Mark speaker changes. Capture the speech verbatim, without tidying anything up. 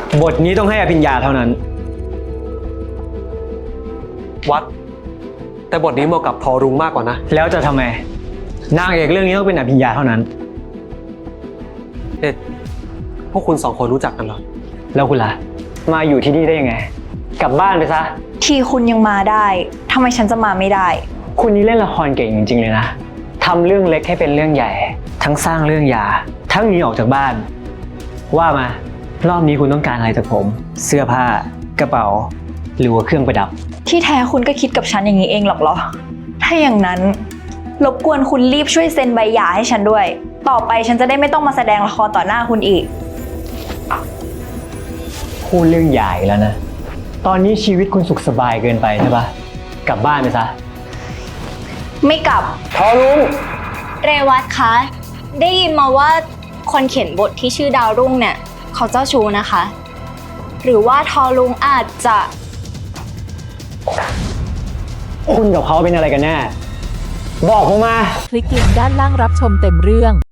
Speaker 1: บทนี้ต้องให้อภิญญาเท่านั้น
Speaker 2: วัด แต่บทนี้เหมาะกับทอรุงมากกว่านะ
Speaker 1: แล้วจะทำไมนางเอกเรื่องนี้ต้องเป็นอภิญญาเท่านั้น
Speaker 2: เอ็ดพวกคุณสองคนรู้จักกันเหรอ
Speaker 1: แล้วคุณล่ะมาอยู่ที่นี่ได้ยังไง กลับบ้านไปซะ
Speaker 3: ทีคุณยังมาได้ทำไมฉันจะมาไม่ได้
Speaker 1: คุณนี่เล่นละครเก่งจริงๆเลยนะทำเรื่องเล็กให้เป็นเรื่องใหญ่ ทั้งสร้างเรื่องยาทั้งหนีออกจากบ้าน ว่ามารอบนี้คุณต้องการอะไรจากผม เสื้อผ้ากระเป๋าหรือว่าเครื่องประดับ
Speaker 3: ที่แท้คุณก็คิดกับฉันอย่างนี้เองหรอกเหรอ ถ้าอย่างนั้นรบกวนคุณรีบช่วยเซ็นใบหย่าให้ฉันด้วย ต่อไปฉันจะได้ไม่ต้องมาแสดงละครต่อหน้าคุณอีก
Speaker 1: พูดเรื่องใหญ่แล้วนะตอนนี้ชีวิตคุณสุขสบายเกินไปใช่ปะกลับบ้านไปซะ
Speaker 3: ไม่กลับ
Speaker 1: ทอลุง
Speaker 4: เรวัตคะ ได้ยินมาว่าคนเขียนบทที่ชื่อดาวรุ่งเนี่ยเขาเจ้าชู้นะคะ หรือว่าทอลุงอาจจะ
Speaker 1: คุณกับเขาเป็นอะไรกันแน่บอกผมมา
Speaker 5: คลิกลิงก์ด้านล่างรับชมเต็มเรื่อง